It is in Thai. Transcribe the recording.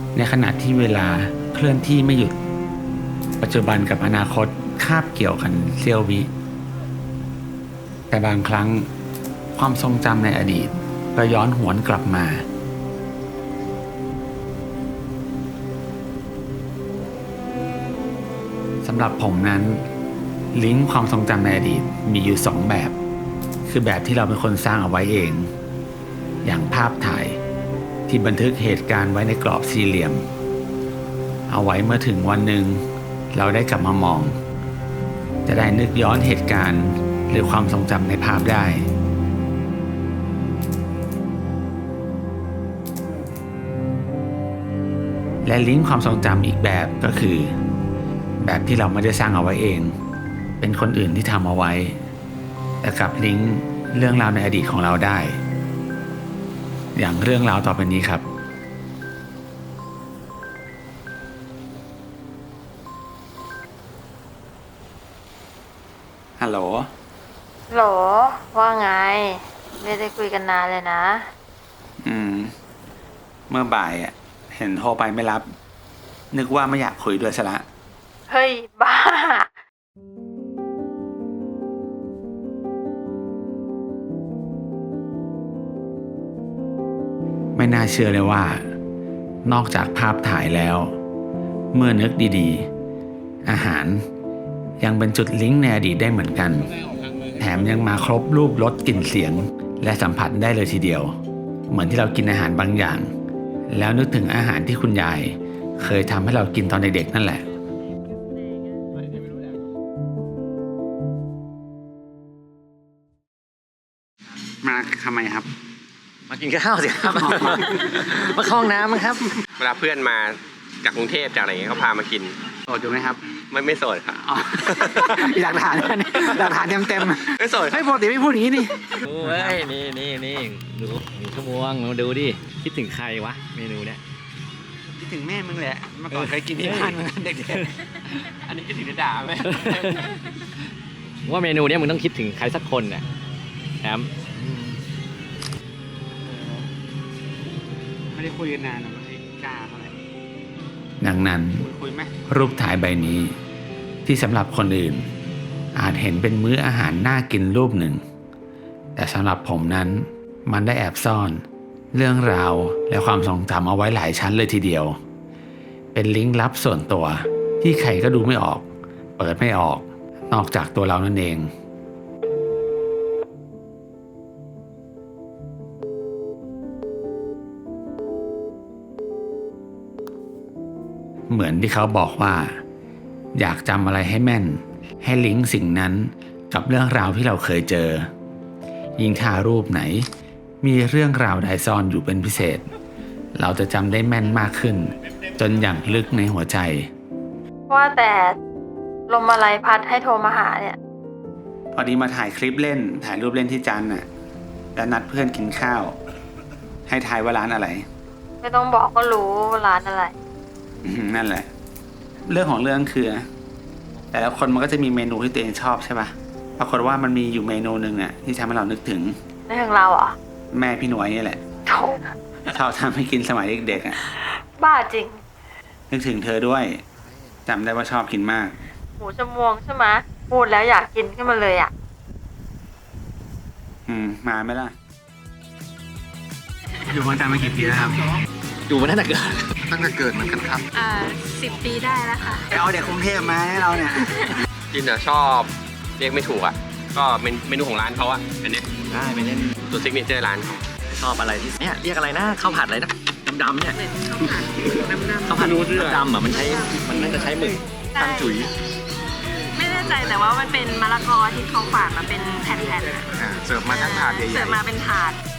ในขณะที่เวลาเคลื่อนที่ไม่หยุดปัจจุบันกับอนาคตคาบเกี่ยวกันเสี้ยววิแต่บางครั้งความทรงจำในอดีตก็ย้อนหวนกลับมาสำหรับผมนั้นลิงก์ความทรงจำในอดีตมีอยู่2แบบคือแบบที่เราเป็นคนสร้างเอาไว้เองอย่างภาพถ่ายที่บันทึกเหตุการณ์ไว้ในกรอบสี่เหลี่ยมเอาไว้เมื่อถึงวันหนึ่งเราได้กลับมามองจะได้นึกย้อนเหตุการณ์หรือความทรงจำในภาพได้และลิงก์ความทรงจำอีกแบบก็คือแบบที่เราไม่ได้สร้างเอาไว้เองเป็นคนอื่นที่ทำเอาไว้แต่กลับลิงก์เรื่องราวในอดีตของเราได้อย่างเรื่องราวต่อไปนี้ครับฮัลโหลโหลว่าไงไม่ได้คุยกันนานเลยนะเมื่อบ่ายเห็นโทรไปไม่รับนึกว่าไม่อยากคุยด้วยซะละเฮ้ยบ้าไม่น่าเชื่อเลยว่านอกจากภาพถ่ายแล้วเมื่อนึกดีๆอาหารยังเป็นจุดลิงก์ในอดีตได้เหมือนกันแถมยังมาครบรูปรสกลิ่นเสียงและสัมผัสได้เลยทีเดียวเหมือนที่เรากินอาหารบางอย่างแล้วนึกถึงอาหารที่คุณยายเคยทำให้เรากินตอนเด็กๆนั่นแหละมาทำไมครับมากินข้าวสิครับ มาเข้าห้องน้ำมั้งครับเวลาเพื่อนมาจากกรุงเทพจากอะไรเงี้ยเขาพามากินโสดอยู่ไหมครับไม่โสดครับหลักฐานหลักฐานเต็มไม่โสดไม่ปกติไม่พูดอย่างนี้นี่โอ้ยนี่ดู1 ชั่วโมงมาดูดิคิดถึงใครวะเมนูเนี้ยคิดถึงแม่มึงแหละเมื่อก่อนเคยกินที่บ้านมึงเด็กๆอันนี้คิดถึงด่าไหมว่าเมนูเนี้ยมึงต้องคิดถึงใครสักคนน่ะแอมไม่ได้คุยกันนานนะไม่ได้กล้าเท่าไหร่ดังนั้นรูปถ่ายใบนี้ที่สำหรับคนอื่นอาจเห็นเป็นมื้ออาหารน่ากินรูปหนึ่งแต่สำหรับผมนั้นมันได้แอบซ่อนเรื่องราวและความทรงจำเอาไว้หลายชั้นเลยทีเดียวเป็นลิงก์ลับส่วนตัวที่ใครก็ดูไม่ออกเปิดไม่ออกนอกจากตัวเรานั่นเองเหมือนที่เขาบอกว่าอยากจำอะไรให้แม่นให้ลิงก์สิ่งนั้นกับเรื่องราวที่เราเคยเจอยิ่งถ้ารูปไหนมีเรื่องราวใดซ่อนอยู่เป็นพิเศษเราจะจำได้แม่นมากขึ้นจนอย่างลึกในหัวใจว่าแต่ลมอะไรพัดให้โทรมาหาเนี่ยพอดีมาถ่ายคลิปเล่นถ่ายรูปเล่นที่จันทร์น่ะแล้วนัดเพื่อนกินข้าวให้ทายว่าร้านอะไรไม่ต้องบอกก็รู้ว่าร้านอะไรนั่นแหละเรื่องของเรื่องคือแต่ละคนมันก็จะมีเมนูที่ตัวเองชอบใช่ปะปรากฏว่ามันมีอยู่เมนูหนึ่งอ่ะที่ทำให้เรานึกถึงนึกถึงเราอ่ะแม่พี่หน่วยนี่แหละชอบทำให้กินสมัยเด็กๆอ่ะบ้าจริงนึกถึงเธอด้วยจำได้ว่าชอบกินมากหมูชมวงใช่ไหมพูดแล้วอยากกินขึ้นมาเลยอ่ะมาไหมล่ะอยู่เมืองจันทร์มากี่ปีแล้วครับอยู่มาตั้งแต่เกิดเหมือนกันครับ 10 ปีได้แล้วค่ะไปเอาเด็กกรุงเทพมาให้เราเนี่ยกินชอบเรียกไม่ถูกก็เมนูของร้านเขาอันนี้ได้ไปเล่นตัวซิกเนเจอร์ร้านชอบอะไรที่เนี่ยเรียกอะไรนะข้าวผัดอะไรนะดำๆเนี่ยข้าวผัดดำมันน่าจะใช้หมึกตั้งจุ๋ยไม่แน่ใจแต่ว่ามันเป็นมะละกอที่เขาฝานมาเป็นแผ่นๆเสิร์ฟมาทั้งถาดใหญ่เสิร์ฟมาเป็นถาด